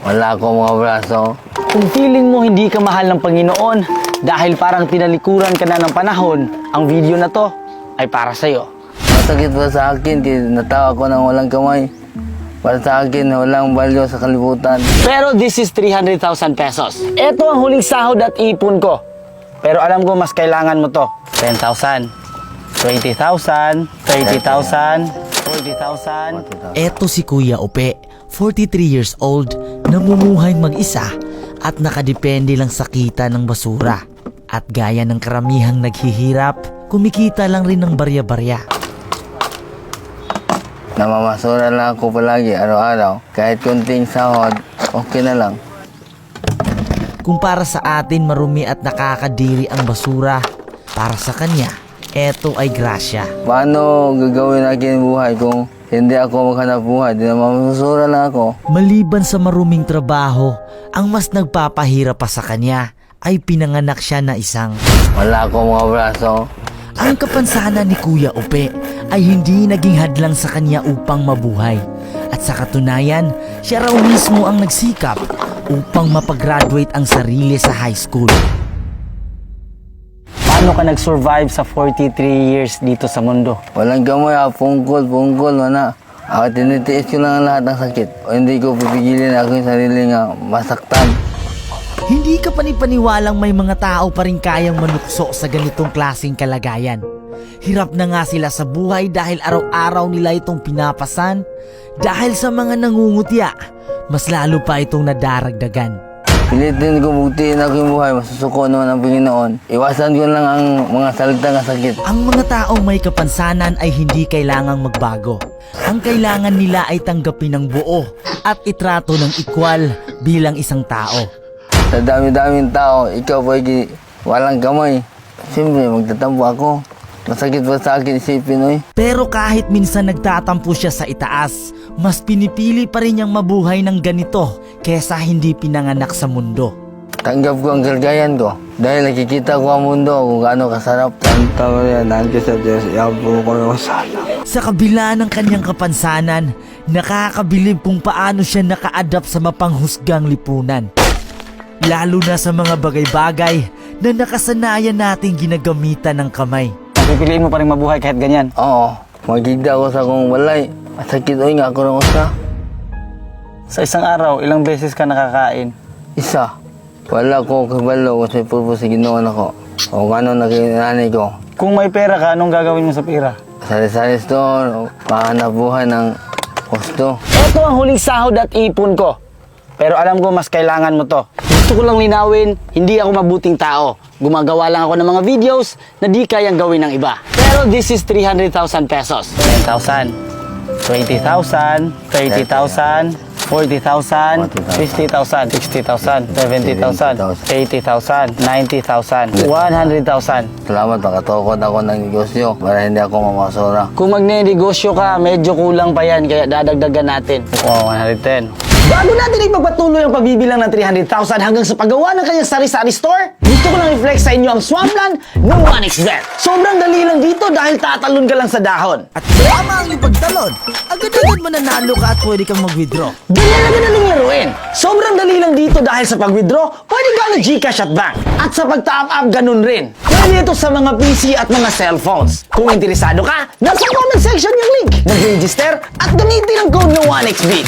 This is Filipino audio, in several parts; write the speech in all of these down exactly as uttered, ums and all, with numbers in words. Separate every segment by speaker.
Speaker 1: Wala akong mga braso.
Speaker 2: Kung feeling mo hindi ka mahal ng Panginoon dahil parang tinalikuran ka na ng panahon, ang video na to ay para sa'yo.
Speaker 1: Masakit pa sa akin, kaya natawa ko ng walang kamay. Para sa akin, walang value sa kalibutan.
Speaker 2: Pero this is three hundred thousand pesos. Ito ang huling sahod at ipon ko. Pero alam ko mas kailangan mo to. ten thousand, twenty thousand, thirty thousand, forty thousand.
Speaker 3: Eto si Kuya Upe, forty-three years old, namumuhay mag-isa at nakadepende lang sa kita ng basura. At gaya ng karamihang naghihirap, kumikita lang rin ng barya-barya.
Speaker 1: Namamasura lang ako palagi, araw-araw. Kahit kunting sahod, okay na lang.
Speaker 3: Kung para sa atin marumi at nakakadiri ang basura, para sa kanya, eto ay grasya.
Speaker 1: Paano gagawin akin buhay kung hindi ako maghanap buhay? Di na mamamasura lang ako.
Speaker 3: Maliban sa maruming trabaho, ang mas nagpapahirap pa sa kanya ay pinanganak siya na isang.
Speaker 1: Wala akong mga braso.
Speaker 3: Ang kapansanan ni Kuya Upe ay hindi naging hadlang sa kanya upang mabuhay. At sa katunayan, siya raw mismo ang nagsikap upang mapag-graduate ang sarili sa high school.
Speaker 2: Paano ka nag-survive sa forty-three years dito sa mundo?
Speaker 1: Walang gamay, ah, pungkol, pungkol, wala. Ako tinitiis ko lang lahat ng sakit. O hindi ko pipigilin ako yung sarili nga masaktan.
Speaker 3: Hindi ka panipaniwalang may mga tao pa rin kayang manukso sa ganitong klaseng kalagayan. Hirap na nga sila sa buhay dahil araw-araw nila itong pinapasan. Dahil sa mga nangungutya, mas lalo pa itong nadaragdagan.
Speaker 1: Pilitin ko buktiin ako yung buhay, masusuko naman ang Panginoon. Iwasan ko lang ang mga salita ng sakit.
Speaker 3: Ang mga taong may kapansanan ay hindi kailangang magbago. Ang kailangan nila ay tanggapin ng buo at itrato ng equal bilang isang tao.
Speaker 1: Sa dami-daming tao, ikaw pa walang kamay. Siyempre, magtatampo ako. Masakit pa sa akin isipin, oy.
Speaker 3: Pero kahit minsan nagtatampo siya sa itaas, mas pinipili pa rin niyang mabuhay ng ganito kesa hindi pinanganak sa mundo.
Speaker 1: Tanggap ko ang kalagayan ko. Dahil nakikita ko ang mundo kung gaano kasarap. Santa Maria, nandiyo sa Diyos, iampo ko ng sana.
Speaker 3: Sa kabila ng kanyang kapansanan, nakakabilib kung paano siya naka-adapt sa mapanghusgang lipunan. Lalo na sa mga bagay-bagay na nakasanayan nating ginagamitan ng kamay.
Speaker 2: Pipiliin mo pa rin mabuhay kahit ganyan.
Speaker 1: Oo, magigda ako sa kong walay. Masakit, oy, nga ako ng usa.
Speaker 2: Sa isang araw, ilang beses ka nakakain?
Speaker 1: Isa. Wala ko kabalo kasi purpose ginawa ako. O ano nakinanay ko.
Speaker 2: Kung may pera ka, anong gagawin mo sa pera?
Speaker 1: Sari-sari store, pahanap buhay ng gusto.
Speaker 2: Ito ang huling sahod at ipon ko. Pero alam ko mas kailangan mo to. Gusto ko lang linawin, hindi ako mabuting tao. Gumagawa lang ako ng mga videos na di kayang gawin ng iba. Pero this is three hundred thousand pesos. ten thousand, twenty thousand, thirty thousand, forty thousand, fifty thousand, sixty thousand, seventy thousand, eighty thousand, ninety thousand, one hundred thousand.
Speaker 1: Salamat, makatukod ako ng negosyo para hindi ako mamasura.
Speaker 2: Kung magne-negosyo ka, medyo kulang pa yan, kaya dadagdagan natin. Oh, one hundred ten. Bago natin ipagpatuloy ang pagbibilang ng three hundred thousand hanggang sa paggawa ng kanyang sari-sari store, gusto ko lang i-flex sa inyo ang Swampland ng one x bet. Sobrang dali lang dito dahil tatalon ka lang sa dahon.
Speaker 3: At tama ang ipagtalon, agad-agad mananalo ka at pwede kang mag-withdraw.
Speaker 2: Ganyan na ganaling laruin. Sobrang dali lang dito dahil sa pag-withdraw, pwede ka ng Gcash at bank. At sa pag-top up, ganun rin. Pwede ito sa mga P C at mga cellphones. Kung interesado ka, nasa comment section yung link. Mag-register at gamitin ang code ng one x bet.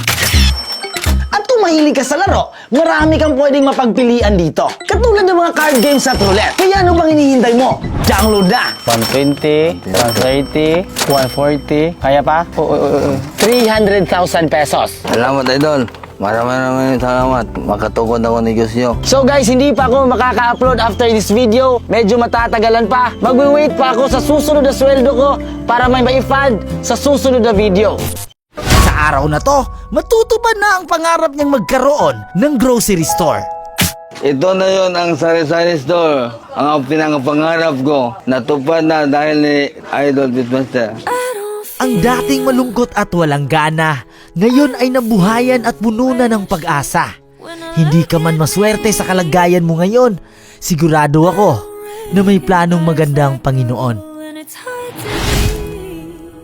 Speaker 2: At kung mahilig ka sa laro, marami kang pwedeng mapagpilian dito. Katulad ng mga card games at roulette. Kaya ano bang hinihintay mo? Download na! one twenty, one thirty, one forty, kaya pa? three hundred thousand pesos.
Speaker 1: Salamat, idol. Maraming maraming salamat. Makatukod ako ng negosyo.
Speaker 2: So guys, hindi pa ako makaka-upload after this video. Medyo matatagalan pa. Magwi-wait pa ako sa susunod na sweldo ko para may ma-fund sa susunod na video.
Speaker 3: Sa araw na to, matutupad na ang pangarap niyang magkaroon ng grocery store.
Speaker 1: Ito na yon ang sari-sari store. Ang pinangapangarap ko. Natupad na dahil ni Idol Beatmaster.
Speaker 3: Ang dating malungkot at walang gana, ngayon ay nabuhayan at puno na ng pag-asa. Hindi ka man maswerte sa kalagayan mo ngayon, sigurado ako na may planong maganda ang Panginoon.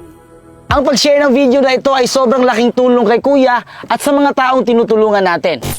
Speaker 2: Ang pag-share ng video na ito ay sobrang laking tulong kay Kuya at sa mga taong tinutulungan natin.